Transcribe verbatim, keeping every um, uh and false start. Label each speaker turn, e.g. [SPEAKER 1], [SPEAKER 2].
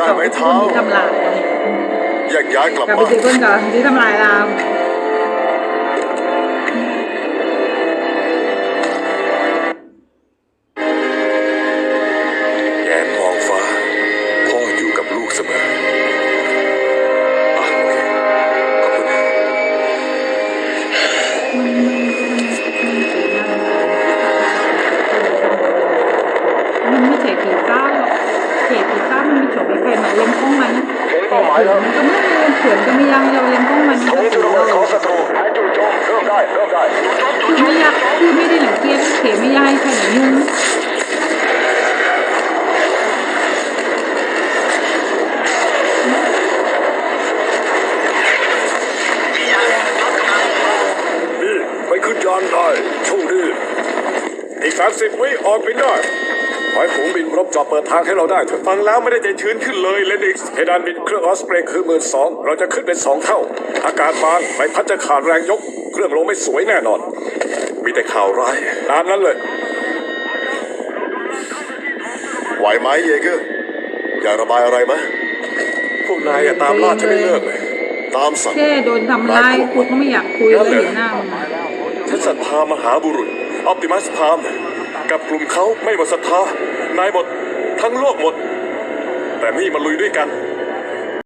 [SPEAKER 1] ต่อไปคนที่ทำลาย
[SPEAKER 2] แยกย้ายกลับ
[SPEAKER 1] กลับไป
[SPEAKER 2] บ้าน
[SPEAKER 1] ที่คนก่อนที่ทำลายเรา
[SPEAKER 2] แงนมองฟ้าพ่ออยู่กับลูกเสมออ่ะโอเคขอบคุณ
[SPEAKER 1] มันไม่ใช่ผีเศร้าหรอกเขตผีเศร้ามันมีโฉมมีใครมาเล่นข้องมันเป้าหมายแล้วมันก็ไม่เล่นเขื่อนก็ไม่ยังเราเล่นข้องมันก็ถือเราคือไม่อยากคือไม่ได้หลังเกียจเขตไม่ยายใครหนุ่ม
[SPEAKER 2] นี่ไปขึ้นยานได้โชคดีอีกสามสิบวิออกบินได้ขอให้ฝูงบินรบจอบเปิดทางให้เราได้เถอะฟังแล้วไม่ได้ใจชื้นขึ้นเลยเลนิกส์เพดานบินเครื่องออสเปรย์คือหมื่นสองเราจะขึ้นเป็นสองเท่าอากาศบานใบพัดจะขาดแรงยกเครื่องลงไม่สวยแน่นอนมีแต่ข่าวร้ายตามนั้นเลยไหวไหมเยเกอร์อยากระบายอะไรไหมพวกนายอย่าตามล่าฉันไม่เลิกเลยตามสั่ง
[SPEAKER 1] แค่โดนทำร้ายกูก็ไม่อยากคุยเลยเห็นหน้ามัน
[SPEAKER 2] ฉันศรัทธามหาบุรุษออปติมัสพามกับกลุ่มเขาไม่หมดศรัทธานายหมดทั้งโลกหมดแต่นี่มาลุยด้วยกัน